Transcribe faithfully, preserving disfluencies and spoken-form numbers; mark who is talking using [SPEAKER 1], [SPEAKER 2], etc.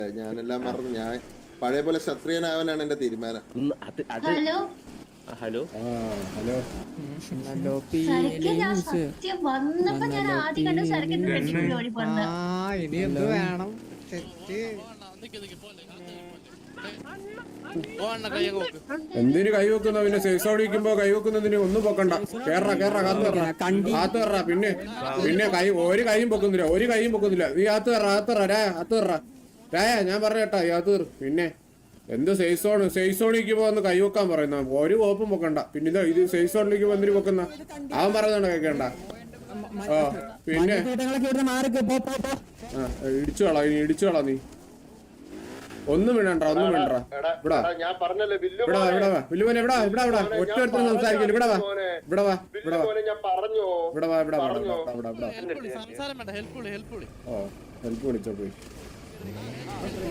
[SPEAKER 1] ഞാനെല്ലാം മറന്നു. ഞാൻ പഴയ പോലെ ക്ഷത്രിയനാവാനാണ് എന്റെ തീരുമാനം.
[SPEAKER 2] ഹലോ
[SPEAKER 3] ഹലോ
[SPEAKER 4] ഹലോ
[SPEAKER 2] സരക്ക് ഞാൻ സത്യം വന്നപ്പോ ഞാൻ ആദ്യം കണ്ട സരക്കിന്റെ വെട്ടിക്കുള്ളി ഓടി പോന്നത്.
[SPEAKER 4] ഇനി എന്ത് വേണം?
[SPEAKER 5] എന്തിനു കൈവെക്കുന്ന പിന്നെ സേസോടിക്കുമ്പോ കൈവെക്കുന്നതിന് ഒന്നും പൊക്കണ്ട. കേറ കേറ കാത്തു കയറ കാത്തു കയറ. പിന്നെ പിന്നെ കൈ ഒരു കൈയും പൊക്കുന്നില്ല, ഒരു കൈയും പൊക്കുന്നില്ല. നീ ആത്ത് കയറ ആത്ത് കയറ രായ ആത്ത് കയറ രായ ഞാൻ പറഞ്ഞേട്ടാ ഈ ആത്ത് കയറ്. പിന്നെ എന്ത് സേസോണ് സേസോണിക്കുമ്പോ ഒന്ന് കൈവെക്കാൻ പറയുന്ന ഒരു കോപ്പും പൊക്കണ്ട. പിന്നെ ഇത് ഇത് സേസോണിലേക്ക് വന്നിട്ട് പൊക്കുന്ന അവൻ പറയുന്നതാണ് കേൾക്കണ്ട. ആ പിന്നെ ആ ഇടിച്ചു കളാ ഇനി ഇടിച്ചു കളാ. നീ ഒന്നും വേണ്ട ഒന്നും വേണ്ട. ഇവിടെ ഇവിടെ വാ ഇവിടെ വാ വില്ലുമോനെ ഇവിടെ ഇവിടെ ഇവിടെ ഒറ്റ ഒരുത്തരും സംസാരിക്കില്ല. ഇവിടെ വാ ഇവിടെ വാ ഇവിടെ വാ ഇവിടെ വാ ഇവിടെ വാ ഇവിടെ ഇവിടെ ഓ ഹെൽപ്പ് വിളിച്ചോ പോയി.